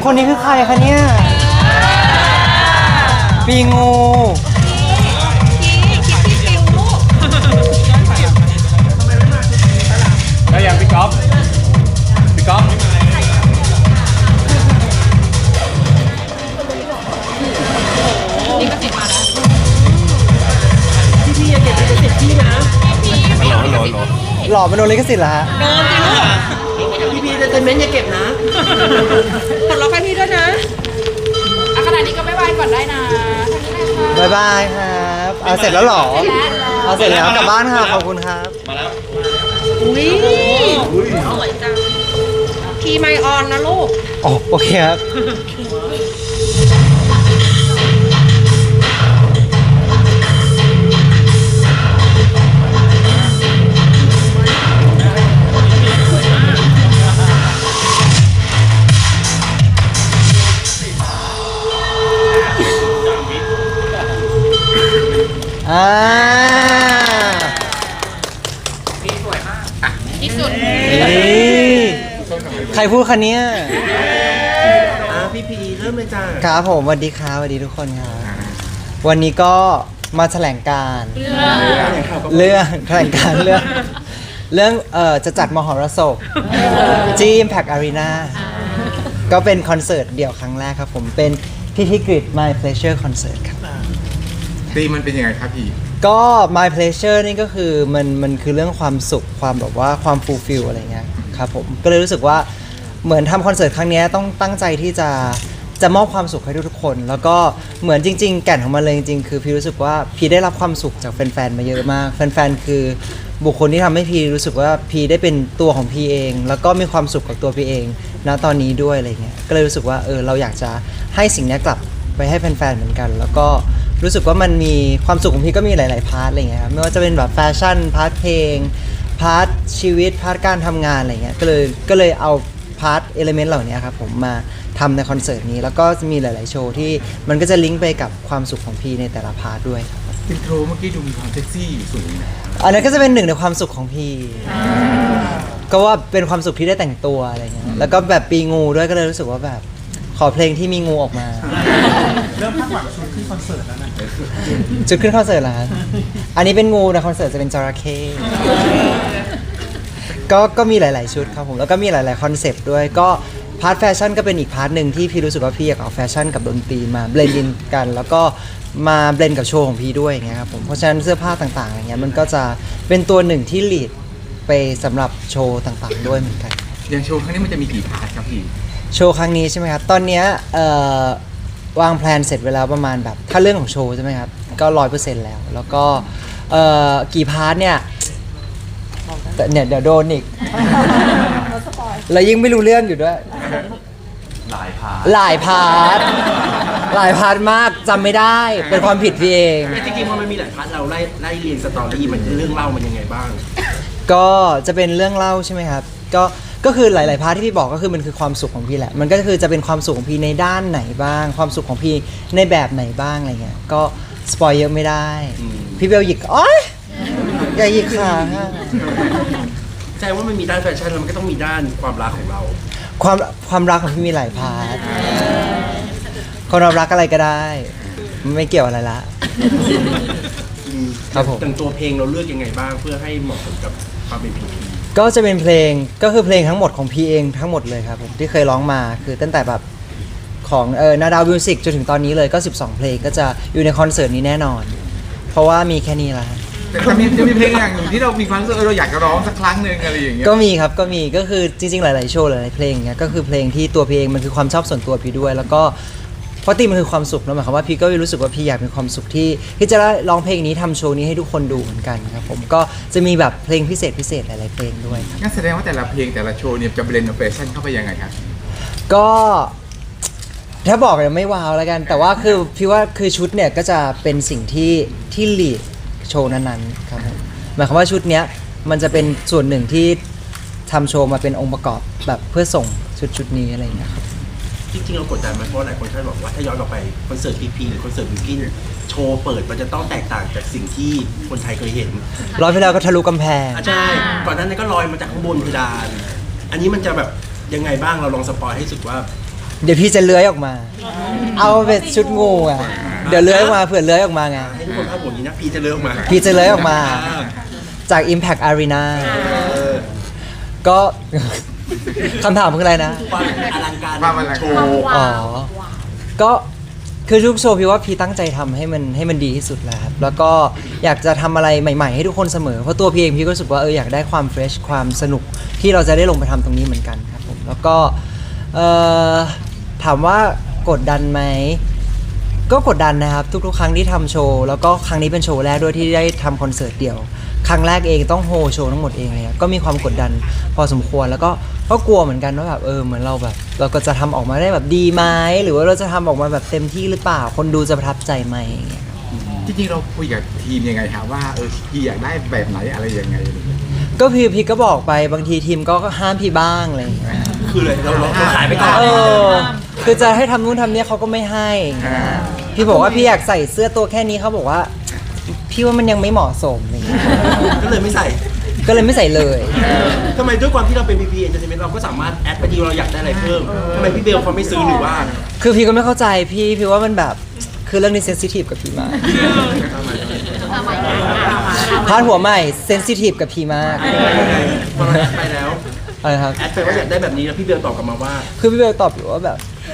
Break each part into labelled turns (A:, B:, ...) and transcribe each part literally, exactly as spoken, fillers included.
A: คนนี้คือใครคะเนี่ยปีงู
B: แล้วอย่างพี่ก๊อฟพี่ก๊อฟ
C: นี่ก็ติดมาแล้ว
D: พี่พี่อย่าเก็บเป็นเจ็บพี่นะ
B: ฮัลโหลฮัลโหลฮัลโหล
A: หล่อเป็นโดนลิขสิทธิ์เหรอฮะ
C: โดนจริงเหรอ
D: พี่พี่เต็มเม้นอย่าเก็บนะ
C: ปลดล็อกให้พี่ด้วยนะอ่ะขนาดนี้ก็ไม่ไหวก่อนได้นะทางนี้เลยค่ะ
A: บ๊ายบายครับเอาเสร็จแล้วเหรอเอาเสร็จแล้วกลับบ้านค่ะขอบคุณครับ
B: มาแล้ว
C: อุ้ยสวยจังคีย์ไมออนนะลูก
A: อ๋อโอเคครับอ่า
C: ที่สุด
A: นี่ใครพูดคะเนี้ย
D: อ่ะพี่พีเริ่มเลยจ้า
A: ครับผมสวัสดีครับสวัสดีทุกคนครับวันนี้ก็มาแถลงการณ์เรื่องแถลงการณ์เรื่องเรื่องเอ่อจะจัดมหรสพที่ Impact Arena ก็เป็นคอนเสิร์ตเดี่ยวครั้งแรกครับผมเป็นพิธีกฤษ My Pleasure Concert ครับ
B: ตีมันเป็นยังไงครับพี่
A: ก็ My Pleasure นี่ก็คือมันมันคือเรื่องความสุขความแบบว่าความ fulfill อะไรเงี้ยครับผมก็เลยรู้สึกว่าเหมือนทำคอนเสิร์ตครั้งนี้ต้องตั้งใจที่จะจะมอบความสุขให้ทุกๆคน แล้วก็เหมือนจริงๆแก่นของมันเลยจริงๆคือพี่รู้สึกว่าพี่ได้รับความสุขจากแฟนๆมาเยอะมากแฟนๆคือบุคคลที่ทำให้พี่รู้สึกว่าพี่ได้เป็นตัวของพี่เอง แล้วก็มีความสุขกับตัวพี่เองณตอนนี้ด้วยอะไรเงี้ยก็เลยรู้สึกว่าเออเราอยากจะให้สิ่งนี้กลับไปให้แฟนๆเหมือนกัน แล้วก็รู้สึกว่ามันมีความสุขของพี่ก็มีหลายๆพาร์ทอะไรเงี้ยครับไม่ว่าจะเป็นแบบแฟชั่นพาร์ทเพลงพาร์ทชีวิตพาร์ทการทำงานอะไรเงี้ยก็เลยก็เลยเอาพาร์ทเอลิเมนต์เหล่านี้ครับผมมาทำในคอนเสิร์ตนี้แล้วก็จะมีหลายๆโชว์ที่มันก็จะลิงก์ไปกับความสุขของพี่ในแต่ละพาร์ทด้วยครับ
B: อินโทรเมื่อกี้ดูมีความเซ็กซี่อยู่สูงนะ
A: อันนั้นก็จะเป็นหนึ่งในความสุขของพี่ก็ว่าเป็นความสุขที่ได้แต่งตัวอะไรเงี้ยแล้วก็แบบปีงูด้วยก็เลยรู้สึกว่าแบบขอเพลงที่มีงูออกมาเริ่มคาดหวังชุดขึ้นคอนเสิร์ตแล้วนะชุดขึ้นคอนเสิร์ตแล้วอันนี้เป็นงูนะคอนเสิร์ตจะเป็นจระเข้ก็ก็มีหลาย ๆ ชุดครับผมแล้วก็มีหลาย ๆ คอนเซปต์ด้วยก็พาร์ทแฟชั่นก็เป็นอีกพาร์ทหนึ่งที่พี่รู้สึกว่าพี่อยากเอาแฟชั่นกับดนตรีมาเบลนด์กันแล้วก็มาเบลนด์กับโชว์ของพี่ด้วยอย่างเงี้ยครับผมเพราะฉะนั้นเสื้อผ้าต่าง ๆ อย่างเงี้ยมันก็จะเป็นตัวหนึ่งที่ลีดไปสำหรับโชว์ต่าง ๆ ด้วยเหมือนกัน
B: อย่างโชว์ครั้งนี้มันจะมีกี่พาร์ทครับพี่
A: โชว์ครั้งนี้ใช่ไหมครับ ตอนเนี้ยเอ่อวางแผนเสร็จไปแล้วประมาณแบบถ้าเรื่องของโชว์ใช่ไหมครับ ก็ร้อยเปอร์เซ็นต์แล้ว แล้วก็เอ่อกี่พาร์ทเนี่ยแต่เนี่ยเดี๋ยวโดนอีก แล้วยิ่งไม่รู้เรื่องอยู่ด้วย
B: หลายพาร์ท
A: หลายพาร์ท หลายพาร์ทมากจำไม่ได้ เป็นความผิดพี่เอง
D: แต่จริงๆพอมันมีหลายพาร์ทเราไล่ไล่เรียงสตอรี่มันเรื่องเล่ามันยังไงบ้าง
A: ก็จะเป็นเรื่องเล่าใช่ไหมครับ ก็ก็คือหลาย ๆ พาร์ทที่พี่บอกก็คือมันคือความสุขของพี่แหละ มันก็คือจะเป็นความสุขของพี่ในด้านไหนบ้าง ความสุขของพี่ในแบบไหนบ้างอะไรเงี้ย ก็สปอยเยอะไม่ได้ พี่เบลหยิกโอ๊ยอย่าหยิกขาค่ะ
D: แสดงว่ามันมีด้านแฟชั่นแล้วมันก็ต้องมีด้านความรักของเรา
A: ความความรักของพี่มีหลายพาร์ทคนเรารักอะไรก็ได้ ไม่เกี่ยวอะไรละ ครับผม
D: แต่งตัวเพลงเราเลือกยังไงบ้างเพื่อให้เหมาะสมกับความเป็นพีพี
A: ก็จะเป็นเพลงก็คือเพลงทั้งหมดของพี่เองทั้งหมดเลยครับผมที่เคยร้องมาคือตั้งแต่แบบของเออนาดาวมิวสิกจนถึงตอนนี้เลยก็สิบสองเพลงก็จะอยู่ในคอนเสิร์ตนี้แน่นอน เพราะว่ามีแค่นี้ละ
B: แต่จะมีจะมีเพลงอย่างหนึ่งที่เรามีความรู้สึกเออเราอยากจะร้องสักครั้งหนึ่งอะไรอย่างเงี้ย
A: ก็มีครับก็มีก็คือจริงๆหลายๆโชว์หลายๆเพลงเนี่ยก็คือเพลงที่ตัวพี่เองมันคือความชอบส่วนตัวพี่ด้วย แล้วก็เพราะตีมันคือความสุขนะหมายความว่าพี่ก็รู้สึกว่าพี่อยากมีความสุขที่ที่จะได้ร้องเพลงนี้ทำโชว์นี้ให้ทุกคนดูเหมือนกันครับผมก็จะมีแบบเพลงพิเศษพิเศษหลายๆเพลงด้วยครับ
B: งั้นแสดงว่าแต่ละเพลงแต่ละโชว์เนี่ยจะเบลนด์แฟชั่นเข้าไปยังไงครับ
A: ก็ถ้าบอกเลยไม่ว้าวแล้วกัน แต่ว่าคือพี่ว่าคือชุดเนี่ยก็จะเป็นสิ่งที่ที่ลีดโชว์นั้นๆครับผมหมายความว่าชุดเนี้ยมันจะเป็นส่วนหนึ่งที่ทำโชว์มาเป็นองค์ประกอบแบบเพื่อส่งชุดชุดนี้อะไรอย่างเงี้ยครับ
D: จริงๆเรากดดันไหมเพราะหลายคนคาดหวังว่าถ้าย้อนกลับไปคอนเสิร์ตพีพีหรือคอนเสิร์ตบิวกิ้นโชว์เปิดมันจะต้องแตกต่างจากสิ่งที่คนไทยเคยเห็น
A: รอบที่แล้วก็ทะลุกำแพง
D: อ่ะใช่ก่อนหน้านั้นก็ลอยมาจากข้างบนเพดานอันนี้มันจะแบบยังไงบ้างเราลองสปอยให้สุดว่า
A: เดี๋ยวพี่จะเลื้อยออกมา เอาเป็นชุดงูอ่ะเดี๋ยวเลื้อยออกมาเผื่อเลื้อยออกมาไง
D: ให้ทุกคนภาพผมนี้นะพีจะเลิกมา
A: พี่จะเลื้อยออกมาจาก Impact Arena ก็ คำถามคืออะไรนะ
D: ความอลังการ
B: ความอลังการ
D: โชว์
A: อ๋อ ก็คือทุกโชว์พี่ว่าพี่ตั้งใจทำให้มันให้มันดีที่สุดแล้วครับ แล้วก็อยากจะทำอะไรใหม่ๆให้ทุกคนเสมอ เพราะตัวพี่เองพี่ก็รู้สึกว่าเอออยากได้ความเฟรชความสนุกที่เราจะได้ลงไปทำตรงนี้เหมือนกันครับผม แล้วก็เอ่อถามว่ากดดันไหม ก็กดดันนะครับทุกๆครั้งที่ทำโชว์แล้วก็ครั้งนี้เป็นโชว์แรกด้วยที่ได้ทำคอนเสิร์ตเดี่ยว ครั้งแรกเองต้องโฮโชว์ทั้งหมดเองเลยครับก็มีความกดดันพอสมควรแล้วก็ก็กลัวเหมือนกันว่าแบบเออเหมือนเราแบบ เราก็จะทำออกมาได้แบบดีไหมหรือว่าเราจะทำออกมาแบบเต็มที่หรือเปล่าคนดูจะประทับใจไหมอย่างเงี้ย
B: จริงๆเราคุยกับทีมยังไงฮะว่าเออพี่อยากได้แบบไหนอะไรยังไง
A: ก็พี่พี่ก็บอกไปบางทีทีมก็ห้ามพี่บ้างอะไรอย่างเงี้ย
D: คือเลยเราเราขายไปก่อน
A: เออคือจะให้ทำนู่นทำนี่เขาก็ไม่ให้พี่บอกว่าพี่อยากใส่เสื้อตัวแค่นี้เขาบอกว่าพี่ว่ามันยังไม่เหมาะสมอะไรอย่างเงี้ย
D: ก็เลยไม่ใส่
A: ก็เลยไม่ใส่เลย
D: ทำไมด้วยความที่เราเป็น พี พี Entertainment เราก็สามารถแอดไปดีเราอยากได้อะไรเพิ่มทำไมพี่เบลเขาไม่ซื้อหรือว่า
A: คือพี่ก็ไม่เข้าใจพี่พี่ว่ามันแบบคือเรื่องนี้เซนซิทีฟกับพี่มากพาดหัวใหม่เซนซิทีฟกับพี่มาก
D: พอเราแอดไปแล้ว
A: อะไรครับ
D: แอดไปว่าอยากได้แบบนี้แล้วพี่เบลตอบกลับมาว่า
A: คือพี่เบลตอบอยู่ว่าแบบ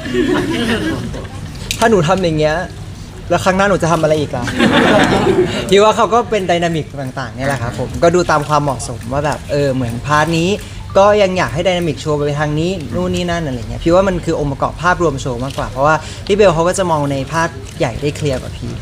A: ถ้าหนูทำอย่างเงี้ยแล้วครั้งหน้าหนูจะทำอะไรอีกล่ะ พี่ว่าเขาก็เป็นไดนามิกต่างๆเนี่ยแหละครับผมก็ดูตามความเหมาะสมว่าแบบเออเหมือนพาร์ทนี้ก็ยังอยากให้ไดนามิกโชว์ไปทางนี้นู่นนี่นั่นอะไรเงี้ยพี่ว่ามันคือองค์ประกอบภาพรวมโชว์มากกว่าเพราะว่าพี่เบลเขาก็จะมองในภาพใหญ่ได้เคลียร์กว่าพี่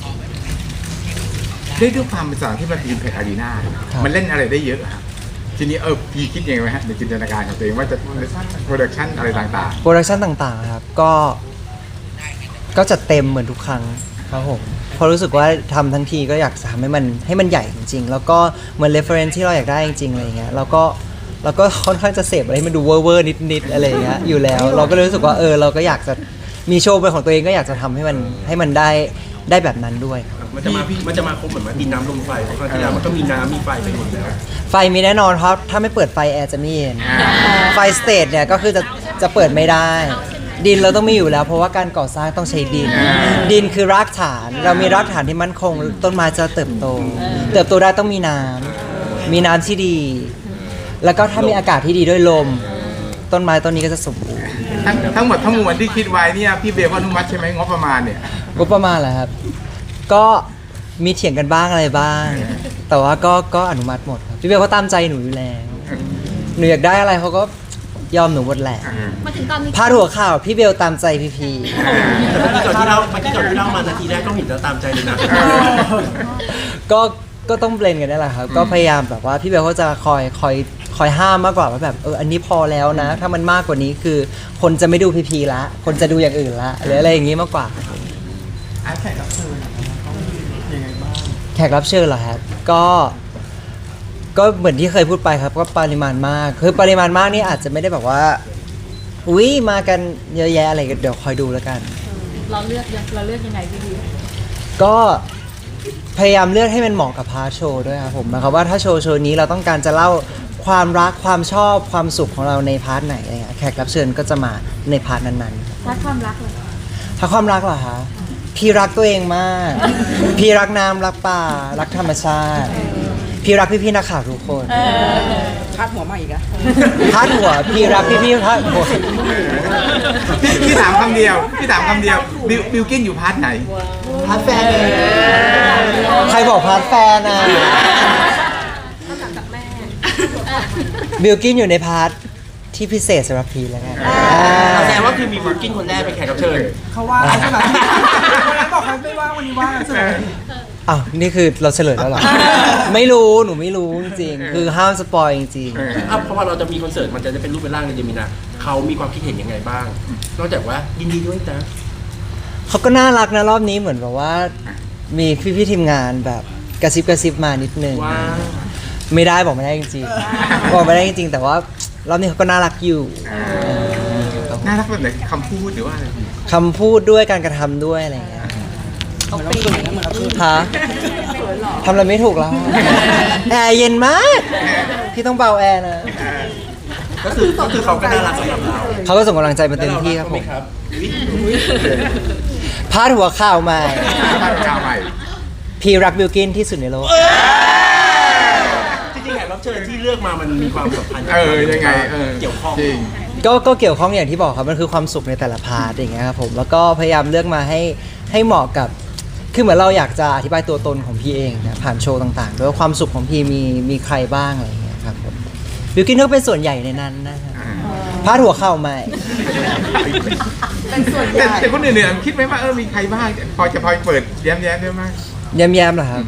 B: ด้วยด้วยความเป็นสถานที่มันเป็นเพจอารีนา
A: ครับ
B: มันเล่นอะไรได้เยอะอะครับทีนี้เออพี่คิดยังไงไหมฮะในจินตนาการของตัวเองว่าจะโปรดักชันอะไรต่าง
A: โปรดักชันต่างๆครับก็ก็จะเต็มเหมือนทุกครั้งครับผมเพราะรู้สึกว่าทำทั้งทีก็อยากจะทำให้มันให้มันใหญ่จริงๆ แล้วก็เหมือน reference ที่เราอยากได้จริงๆอะไรอย่างเงี้ยแล้วก็เราก็ค่อนข้างจะเสพอะไรให้มันดูเวอร์ๆนิดๆอะไรอย่างเงี้ยอยู่แล้ว เราก็เลยรู้สึกว่าเออเราก็อยากจะมีโชว์เป็นของตัวเองก็อยากจะทำให้มันให้มันได้ได้แบบนั้นด้วยครับ
D: มันจะมามันจะมาครบเหมือนว่าดินน้ำลมไฟเพราะครั้งที่แล้วมันก็มีน้ำมีไฟไปหมดแล้ว
A: ไฟมีแน่นอนเพราะถ้าไม่เปิดไฟแอร์จะไม่เย็นไฟสเตจเนี่ยก็คือจะจะเปิดไม่ได้ ดินเราต้องมีอยู่แล้วเพราะว่าการก่อสร้างต้องใช้ดิน ดินคือรากฐานเรามีรากฐานที่มั่นคง ต้นไม้จะเติบโต เติบโตได้ต้องมีน้ำมีน้ำที่ดี แล้วก็ถ้ามีอากาศที่ดีด้วยลม ต้นไม้ต้นนี้ก็จะสมบูรณ์
B: ๆทั้งทั้งหมดทั้งมวลที่คิดไว้เนี่ยพี่เบลก็อนุมัติใช่ไหมงบประมาณเนี่ย
A: ก็ประมาณแหละครับ ก็มีเถียงกันบ้างอะไรบ้าง แต่ว่าก็ก็อนุมัติหมดครับพี่เบลเขาตามใจหนูอยู่แล้วหนูอยากได้อะไรเขาก็ยอมหนูหมดแหละ
C: มาถึงตอนนี้
A: พาดหัวข่าวพี่เบลตามใจพี่พี
D: แต่เมื่อกี้ก่อนที่เราเมื่อกี้ก่อนที่เรามานาทีแรกก็เห็นแล้วตามใจเลยนะ
A: ก็ก็ต้องเบลนกันนี่แหละครับก็พยายามแบบว่าพี่เบลเขาจะคอยคอยคอยห้ามมากกว่าว่าแบบเอออันนี้พอแล้วนะ ถ้ามันมากกว่านี้คือคนจะไม่ดูพีพีละคนจะดูอย่างอื่นละหรืออะไรอย่างงี้มากกว่าแขกรับเชิญแขกรับเชิญเหรอครับก็ก็เหมือนที่เคยพูดไปครับก็ปริมาณมากคือปริมาณมากนี่อาจจะไม่ได้แบบว่าอุ้ยมากันเยอะแยะอะไรกันเดี๋ยวคอยดูแล้วกัน
C: เราเลือกยังเราเลือกยังไงพี่พี
A: ก็พยายามเลือกให้มันเหมาะกับพาร์ทโชว์ด้วยครับผมหมายความว่าถ้าโชว์โชว์นี้เราต้องการจะเล่าความรักความชอบความสุขของเราในพาร์ทไหนอะไรเงี้ยแขกรับเชิญก็จะมาในพาร์ทนั้นๆ
C: รักความรักเลย
A: ถ้าความรักเหรอคะพี่รักตัวเองมาก พี่รักน้ำรักป่ารักธรรมชาติ พี่รักพี่พี่ๆนักข่าวทุกคน
C: คาดหัวมาอีกอะ
A: พาดหัวพี่รักพี่พี่พาดหัว
B: พี่พี่ถามคำเดียวพี่ถามคำเดียวบิวบิวกินอยู่พาร์ทไหน
A: พาร์ทแฟนใครบอกพาร์ทแฟนอ่ะบิลกินอยู่ในพาร์ทที่พิเศษสำหรับพีแล้วกัน
D: แสดงว่าคือมีบิวกิ้นคนแรกเป็นแขกรับเชิญ
E: เขาว่าใช่ไหมวันนั้นบอกเขาไม่ว่างวันนี้ว่างใช่ไหม
A: อ้าวนี่คือเราเฉลยแล้วเหรอ ไม่รู้หนูไม่รู้จริงๆคือห้ามสปอยจริง
B: เออ
D: อ่ะเพราะว่าเราจะมีคอนเสิร์ตมันจะได้เป็นรูปเป็นร่างในเดมินาเขามีความคิดเห็นยังไงบ้าง นอกจากว่ายินดีด้วยนะ
A: ๆเขาก็น่ารักนะรอบนี้เหมือนแบบว่า มีพี่ๆทีมงานแบบกระซิบกระซิบมานิดนึง
D: ว่า
A: ไม่ได้บอกไม่ได้จริงๆบอกไม่ได้จริงๆแต่ว่ารอบนี้เขาก็น่ารักอยู่
B: น่ารักแบบไหนคำพูดหรือว่าอะไร
A: คำพูดด้วยการกระทำด้วยอะไรอย่างเงี้ย
C: เขาปีนเหมือนเราคืน
A: ฮะทำอะไรไม่ถูกแล้ว แอร์เย็นมาก พี่ต้องเบาแอร์นะ
B: เออ
D: ก็คือก็คือเขาก็น่ารักสำหรับเรา
A: เขาก็ส่งกำลังใจมาเต็มที่ครับผม
D: ครับ
A: พาดหัวข่าวใหม่
B: บ้านข้าวใหม่
A: พีรักบิลกินที่สุดในโลก
D: จริงๆแขกรับเชิญที่เลือกมามันมีความสัมพันธ์
B: เออยังไงเออ
D: เกี่ยวข้อง
B: จริง
A: ก็ก็เกี่ยวข้องอย่างที่บอกครับมันคือความสุขในแต่ละพาร์ทอย่างเงี้ยครับผมแล้วก็พยายามเลือกมาให้ให้เหมาะกับคือเหมือนเราอยากจะอธิบายตัวตนของพี่เองนะผ่านโชว์ต่างๆด้วยว่าความสุขของพี่มีมีใครบ้างอะไรอย่างเงี้ยครับผมบิวกินก็เป็นส่วนใหญ่ในนั้นนะครับพาดหัวเข้าใหม่
B: แต่แต่คนอื่นๆคิดไหมว่าเออมีใครบ้างพอจะพอเปิดแย้มๆได้ไหม
A: แย้มๆเหรอครับ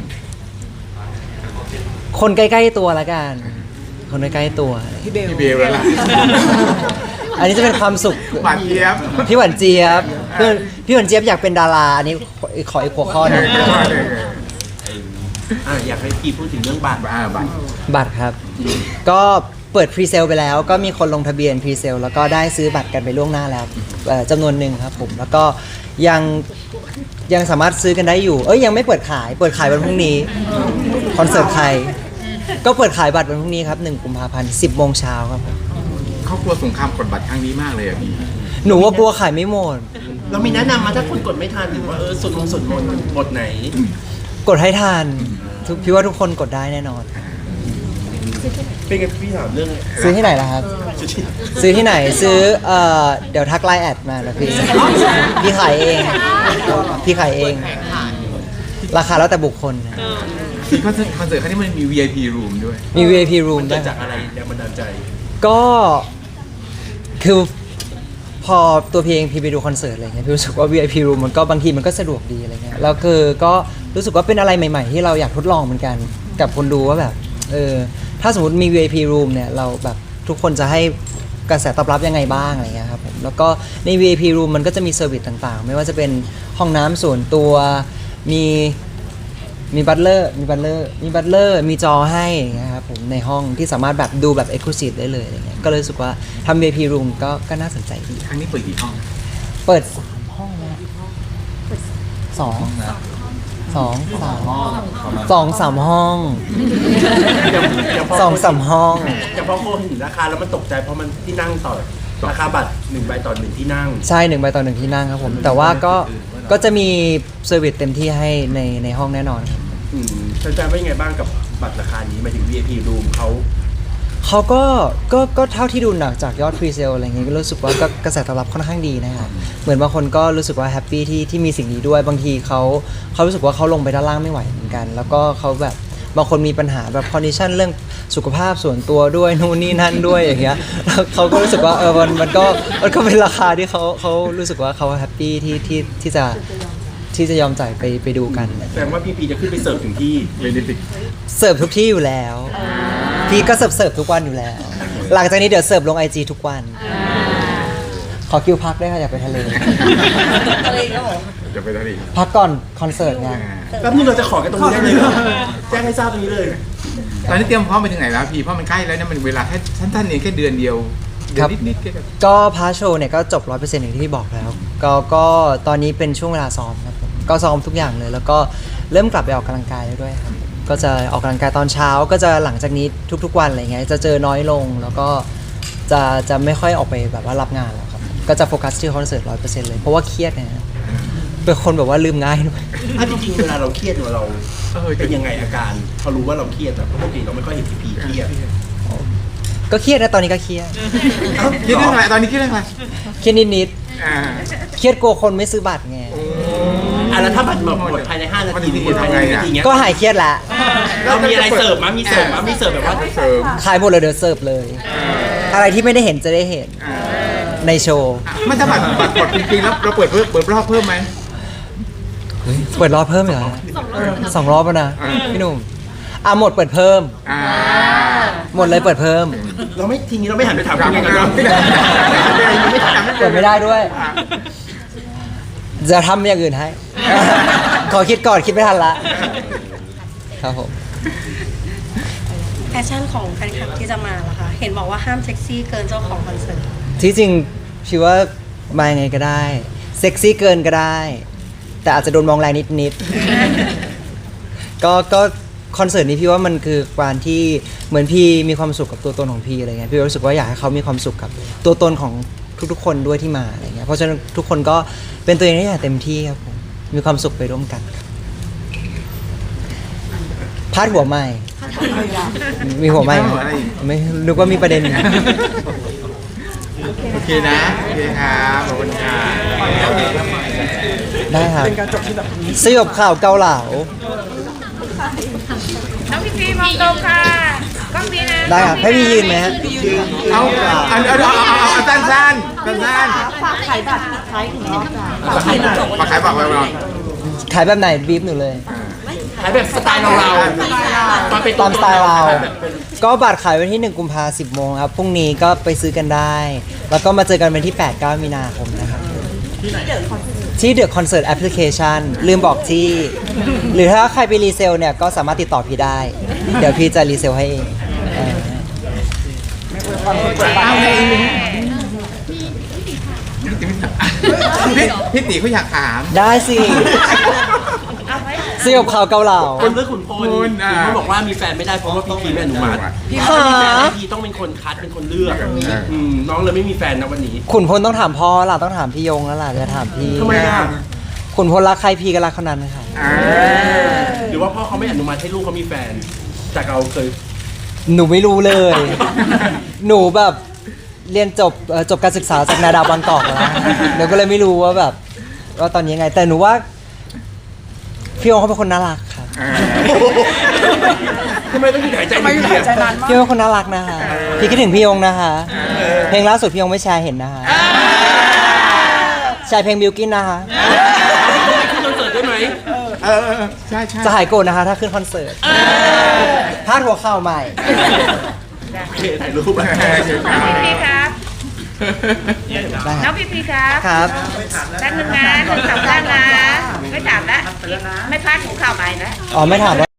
A: คนใกล้ๆตัวละกัน คนใกล้ๆตัว
E: พี่เบล
B: พี่เบลแล้วล่ะ
A: อันนี้จะเป็นความสุข
B: หวานเจี๊ยบ
A: พี่หวานเจี๊ยบเพื่อนพี่หวานเจี๊ยบอยากเป็นดาราอันนี้ขออีกหัวข้อหนึง
D: อ่ะอยากให้พี่พูดถึงเรื่องบัตร
B: บ้าบัตร
A: บัตรครับ ก็เปิดพรีเซลไปแล้ว ก็มีคนลงทะเบียนพรีเซลแล้วก็ได้ซื้อบัตรกันไปล่วงหน้าแล้วเอ่อจำนวนหนึ่งครับผม แล้วก็ยังยังสามารถซื้อกันได้อยู่ เอ้ยยังไม่เปิดขาย เปิดขายวันพรุ่งนี้ คอนเสิร์ตใคร ก็เปิดขายบัตรวันพรุ่งนี้ครับหนึ่งกุมภาพันธ์สิบโมงเช้าครับผม
B: เขากลัวสงครามกดบัตรครั้งนี้มากเลยอ่ะพี่
A: หนูว่ากลัวขายไม่หมด
D: เรามีแนะนำมาถ้าคนกดไม่ทันหรือว่าเออสุดมงสุดมนต์บทไหน
A: กดให้ทานทุกพี่ว่าทุกคนกดได้แน่นอน
D: เป็นไงพี่ถามเรื่อง
A: ซื้อที่ไหนล่ะครับ ซื้อที่ไหนซื้อเอ่อเดี๋ยวทักไลน์แอดมาแล้วพี่พี่ขายเองพี่ขายเอง ราคาแล้วแต่บุคคลนะ
B: ที่คอนเสิร์ตคอนเสิร์ตครั้งนี้มันมี วี ไอ พี room ด้วย
A: มี วี ไอ พี room
D: มัน
A: ด้
D: เกิ
A: ว
D: ด
A: ย
D: จากอะไรแรงบันดาลใจ
A: ก็คือพอตัวพี่เองพี่ไปดูคอนเสิร์ตอะไรเงี้ยพี่รู้สึกว่า วี ไอ พี room มันก็บางทีมันก็สะดวกดีอะไรเงี้ยแล้วคือก็รู้สึกว่าเป็นอะไรใหม่ ๆ ที่เราอยากทดลองเหมือนกันกับคนดูว่าแบบเออถ้าสมมติมี วี ไอ พี room เนี่ยเราแบบทุกคนจะให้กระแสตอบรับยังไงบ้างอะไรเงี้ยครับผมแล้วก็ใน วี ไอ พี room มันก็จะมีเซอร์วิสต่างๆ ไม่ว่าจะเป็นห้องน้ำส่วนตัวมีมีบัตเลอร์มีบัตเลอร์มีบัตเลอร์มีจอให้อย่างเงี้ยครับผมในห้องที่สามารถแบบดูแบบ Exclusive ได้เลยอะไรเงี้ยก็เลยรู้สึกว่าทำ วี ไอ พี room ก็ก็น่าสนใจดี
B: ครั้งนี้เปิดกี่ห้อง
A: เปิดสามห้องนะสองสองสามสองสามห้อง
D: เดี๋ยวเดี๋ยวพ
A: สองสามห้อง
D: เดี๋ยวพอโคเห็นราคาแล้วมันตกใจเพราะมันที่นั่งต่อราคาบัตรหนึ่งใบต่อหนึ่งที่นั่ง
A: ใช่หนึ่งใบต่อหนึ่งที่นั่งครับผม แต่ว่าก็ก็จะมีเซอร์วิสเต็มที่ให้ในในห้องแน่นอนครับ
D: อืมแฟนๆว่ายังไงบ้างกับบัตรราคานี้หมายถึง วี ไอ พี room เขา
A: เขาก็ก็ก็เท่าที่ดูหนักจากยอดพรีเซลอะไรเงี้ยก็รู้สึกว่าก็กระแสตอบรับค่อนข้างดีนะครับเหมือนบางคนก็รู้สึกว่าแฮปปี้ที่ที่มีสิ่งนี้ด้วยบางทีเขาเขารู้สึกว่าเขาลงไปด้านล่างไม่ไหวเหมือนกัน แล้วก็เขาแบบบางคนมีปัญหาแบบคอนดิชันเรื่องสุขภาพส่วนตัวด้วยนู่นนี่นั่นด้วยอย่างเงี้ยแล้วเขาก็รู้สึกว่าเออมันมันก็มันก็เป็นราคาที่เขาเขารู้สึกว่าเขาแฮปปี้ที่ที่ที่จะที่จะยอมจ่ายไปไปดูกัน
D: แสดงว่าพี่พีจะขึ้นไปเสิร์ฟถึงที่
B: เวนิติก
A: เสิร์ฟทุกที่อยู่แล้ว พี่ก็เสิร์ฟเสิร์ฟทุกวันอยู่แล้ว หลังจากนี้เดี๋ยวเสิร์ฟลงไอจีทุกวัน ขอคิวพักด้วยค่ะอยากไปทะเล
B: จะไปทะเล
A: พักก่อนคอนเสิร์ตไง
D: แป๊บนึงเราจะขอกันตรงนี้ได้เลยเหรอแจ้งให้ทราบตรงนี้เลย
B: ตอนนี้เตรียมพร้อมไปถึงไหนแล้วพี่เพราะมันใกล้แล้วนะมันเวลาแค่สั้นๆเองแค่เดือนเดียวเดือนนิดๆแค่แบบ
A: ก็พาร์ทโชว์เนี่ยก็จบร้อยเปอร์เซ็นต์อย่างที่พี่บอกแล้ว ก็ก็ตอนนี้เป็นช่วงเวลาซ้อมครับผมก็ซ้อมทุกอย่างเลย แล้วก็เริ่มกลับไปออกกำลังกายแล้วด้วยครับ ก็จะออกกำลังกายตอนเช้า ก็จะหลังจากนี้ทุกๆวันอะไรเงี้ย จะเจอน้อยลง แล้วก็จะจะไม่ค่อยออกไปแบบว่ารับงานแล้วครับ ก็จะโฟกัสที่คอนเสิร์ตร้อยเปอร์เซ็นต์เลย เพราะว่าเครียดนะฮะเป็นคนแบบว่าลืมง่ายด้วย
D: ถ้าจริงๆเวลาเราเครียดเนี่ยเรา
B: เออ
D: เป็นยังไงอาการพอรู้ว่าเราเครียดอะเพราะปกติเราไม่ค่อยเห็นพีพีเครียด
A: ก็เครียดนะตอนนี้ก็เครียด
B: คิดเรื่องอะไรตอนนี้คิดเรื่องอะไร
A: เครียดนิด
B: อ่า
A: ๆเครียดกลัวคนไม่ซื้อบัตรไง
D: อ่ะแล้วถ้าบัตรหมดหมดภายในห้านาทีหรือหมดภายในหนึ่งนาทีเงี้ย
A: ก็หายเครียดละ
D: เรามีอะไรเสิร์ฟมั้ยมีเสิร์ฟมั้ยมีเสิร์ฟแบบว่า
B: เสริม
A: ขายหมดเลยเดี๋ยวเสิร์ฟเลย อะไรที่ไม่ได้เห็นจะได้เห็น
B: อ่า
A: ในโชว์
B: ไม่ถ้าบัตรบัตรหมดจริงๆแล้วเราเปิดเพิ่มเปิดรอบเพิ่มไหม
A: เปิดรอบเพิ่มเหรอสองรอบแล้วนะ
B: อ่า
A: พี่หนุ่มอ่ะหมดเปิดเพิ่ม
B: อ่า
A: หมดเลยเปิดเพิ่ม
D: เราไม่ทีนี้เราไม่หันไปถามคุณไงกัน
B: เรา
D: เรา
B: ไม่ได้ไม่ได้
A: เปิดไม่ได้ด้วย จะทำอย่างอื่นให้ ขอคิดก่อนคิดไม่ทันละ ครับผม
F: แพชชั่นของแฟนคลับที่จะมาล่ะคะ เห็นบอกว่าห้ามเซ็กซี่เกินเจ้าของคอนเสิร์ต
A: ที่จริงพี่ว่ามายังไงก็ได้ เซ็กซี่เกินก็ได้ แต่อาจจะโดนมองแรงนิดๆ ก็ก็คอนเสิร์ตนี้พี่ว่ามันคือการที่เหมือนพี่มีความสุขกับตัวตนของพี่อะไรเงี้ยพี่รู้สึกว่าอยากให้เขามีความสุขกับตัวตนของทุกๆคนด้วยที่มาอะไรเงี้ยเพราะฉะนั้นทุกคนก็เป็นตัวเองได้อย่างเต็มที่ครับผมมีความสุขไปร่วมกันครับพาดหัวใหม่มีหัวใหม่ไหมไม่นึกว่ามีประเด็น
B: โอเคนะโอเคครับขอบคุณค่ะ
A: ได้ครับ
E: เป็นการจบที่แบบ
A: สยบข่าวเกาเหลา
C: น้องพี่พีมองตรงค่ะกล้องนี้นะ
A: ได้ครับให้พี่ยืนไหมฮะ
B: เอาเอาเอาเอาเอาเอาสั้นสั้นสั้นสั้น
G: ฝากขายบัตรปิดท้ายถึงรอบจ้ะ
B: มาขายบัตรไว้ก่อน
A: ขายแบบไหนบีบหนูเลย
D: ขายแบบสไตล์เราเรามาเป็น
A: ตามสไตล์เรา ก็บัตรขายวันที่หนึ่งกุมภาพันธ์สิบโมงครับ พรุ่งนี้ก็ไปซื้อกันได้ แล้วก็มาเจอกันวันที่แปด เก้ามีนาคมนะครับ ที่เดอะคอนเสิร์ตแอปพลิเคชันลืมบอกที่ หรือถ้าใครไปรีเซลเนี่ย ก็สามารถติดต่อพี่ได้ เดี๋ยวพี่จะรีเซลให้เองเออ
B: เอาไงพี่พี่ตีเขาอยากถาม
A: ได้สิสยบข่าวเกาเหลา
D: คนเลือกขุนพล
B: คุณอ่ะ
D: ขุนพลบอกว่ามีแฟนไม่ได้เพราะว่าพี่พีไม่อนุมัติ
B: พี่
D: ถ้ามีแฟนแล้วพี่ต้องเป็นคนคัดเป็นคนเลือกอืมน้องเลยไม่มีแฟนนะวันนี้
A: ขุนพลต้องถามพ่อล่ะต้องถามพี่ยงแล้วล่ะจะถามพี่
D: ทำไมอ่ะ
A: ขุนพลรักใครพี่ก็รักคนนั้นค่ะ
B: อ่า
D: หรือว่าพ่อเขาไม่อนุมัติให้ลูกเขามีแฟนจากเราเคย
A: หนูไม่รู้เลย หนูแบบเรียนจบเอ่อจบการศึกษาจากนาดาวบางกอกแล้วหนูก็เลยไม่รู้ว่าแบบว่าตอนนี้ยังไง แต่หนูว่าพี่ยงเขาเป็นคนน่ารักครับ
B: อ่า
D: ทำไมต้องหยุดหายใจ
E: ทำไมอยู่หายใจนานมาก
A: พี่ยงเป็นคนน่ารักนะคะ พี่คิดถึงพี่ยงนะคะ เพลงล่าสุดพี่ยงไม่แชร์เห็นนะคะแชร์เพลงบิวกินนะคะ
D: ขึ้นคอนเสิร์ตได้ไหม
B: เออเออใช่ใช่
A: จะหายโกรธนะคะ ถ้าขึ้นคอนเสิร์ตพาดหัวข่าวใหม่
D: โอเคถ่ายรูปอะ
C: พี่พีครับ
A: ได้
C: น้องพี่พีครับ
A: ครับ
C: แป๊บนึงนะหนึ่งสองสามนะไม่ถามแล้วไม่พลาดหัวข่าวใหม่นะ
A: อ๋อไม่ถามว่า